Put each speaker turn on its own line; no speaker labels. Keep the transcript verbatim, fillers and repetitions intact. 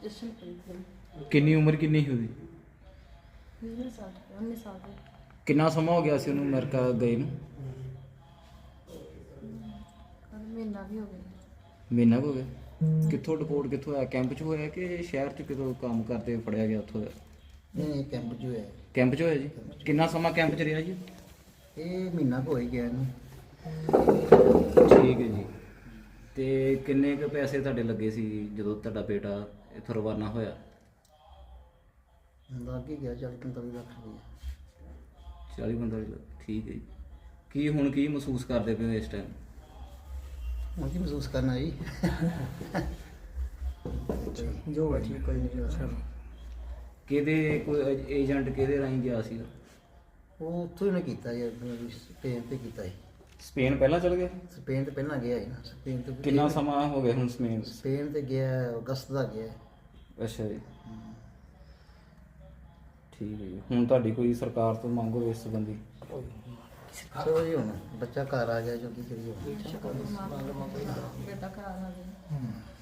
ਜਸ਼ਨਪ੍ਰੀਤ ਗਿੱਲ।
ਕਿੰਨੀ ਉਮਰ ਕਿੰਨੀ ਸੀ ਉਹਦੀ?
ਵੀਹ ਸਾਲ ਉੱਨੀ ਸਾਲ ਦੀ।
ਕਿੰਨਾ ਸਮਾਂ ਹੋ ਗਿਆ ਸੀ ਉਹਨੂੰ ਅਮਰੀਕਾ ਗਏ ਨੂੰ?
ਮਹੀਨਾ ਵੀ ਹੋ ਗਿਆ।
ਮਹੀਨਾ ਕੁ ਹੋ ਗਿਆ। ਕਿੱਥੋਂ ਡਿਪੋਰਟ ਕਿੱਥੋਂ ਹੋਇਆ? ਕੈਂਪ 'ਚ ਹੋਇਆ ਕਿ ਸ਼ਹਿਰ 'ਚ ਕਿਤੋਂ ਕੰਮ ਕਰਦੇ ਫੜਿਆ ਗਿਆ ਉੱਥੋਂ?
ਨਹੀਂ ਕੈਂਪ 'ਚ ਹੋਇਆ।
ਕੈਂਪ 'ਚ ਹੋਇਆ ਜੀ। ਕਿੰਨਾ ਸਮਾਂ ਕੈਂਪ 'ਚ ਰਿਹਾ ਜੀ?
ਇਹ ਮਹੀਨਾ ਕੁ ਹੋ ਹੀ ਗਿਆ ਇਹਨੂੰ।
ਠੀਕ ਹੈ ਜੀ। ਤੇ ਕਿੰਨੇ ਕੁ ਪੈਸੇ ਤੁਹਾਡੇ ਲੱਗੇ ਸੀ ਜਦੋਂ ਤੁਹਾਡਾ ਬੇਟਾ ਇੱਥੋਂ ਰਵਾਨਾ ਹੋਇਆ?
ਲੱਗ ਹੀ ਗਿਆ ਚਾਲੀ ਪੰਤਾਲੀ ਲੱਖ ਰੁਪਏ।
ਚਾਲੀ ਪੰਤਾਲੀ ਲੱਖ। ਠੀਕ ਹੈ ਜੀ। ਕੀ ਹੁਣ ਕੀ ਮਹਿਸੂਸ ਕਰਦੇ ਪਏ ਹੋ ਇਸ ਟਾਈਮ?
ਹੁਣ ਕੀ ਮਹਿਸੂਸ ਕਰਨਾ ਜੀ? ਜੋ ਹੈ ਠੀਕ ਕੋਈ ਨਹੀਂ ਸਰ।
ਕਿਹਦੇ ਕੋਈ ਏਜੰਟ ਕਿਹਦੇ ਰਾਹੀਂ ਗਿਆ ਸੀ?
ਉਹ ਉੱਥੋਂ ਹੀ ਨੇ ਕੀਤਾ ਜੀ, ਸਪੇਨ ਤੇ ਕੀਤਾ ਜੀ।
ਸਪੇਨ ਪਹਿਲਾਂ ਚਲ ਗਿਆ?
ਸਪੇਨ ਤੇ ਪਹਿਲਾਂ ਗਿਆ ਹੈ ਨਾ। ਸਪੇਨ ਤੇ
ਕਿੰਨਾ ਸਮਾਂ ਹੋ ਗਿਆ ਹੁਣ ਸਪੇਨ?
ਸਪੇਨ ਤੇ ਗਿਆ ਅਗਸਤ ਦਾ ਗਿਆ।
ਅੱਛਾ ਜੀ। ਠੀਕ ਹੈ ਜੀ। ਹੁਣ ਤੁਹਾਡੀ ਕੋਈ ਸਰਕਾਰ ਤੋਂ ਮੰਗ ਹੋਵੇ ਇਸ ਸੰਬੰਧੀ?
ਚਲੋ ਜੀ ਹੁਣ ਬੱਚਾ ਘਰ ਆ ਗਿਆ ਜੋ ਕੀ ਕਰੀਏ।
ਬੇਟਾ ਘਰ ਆ ਗਿਆ।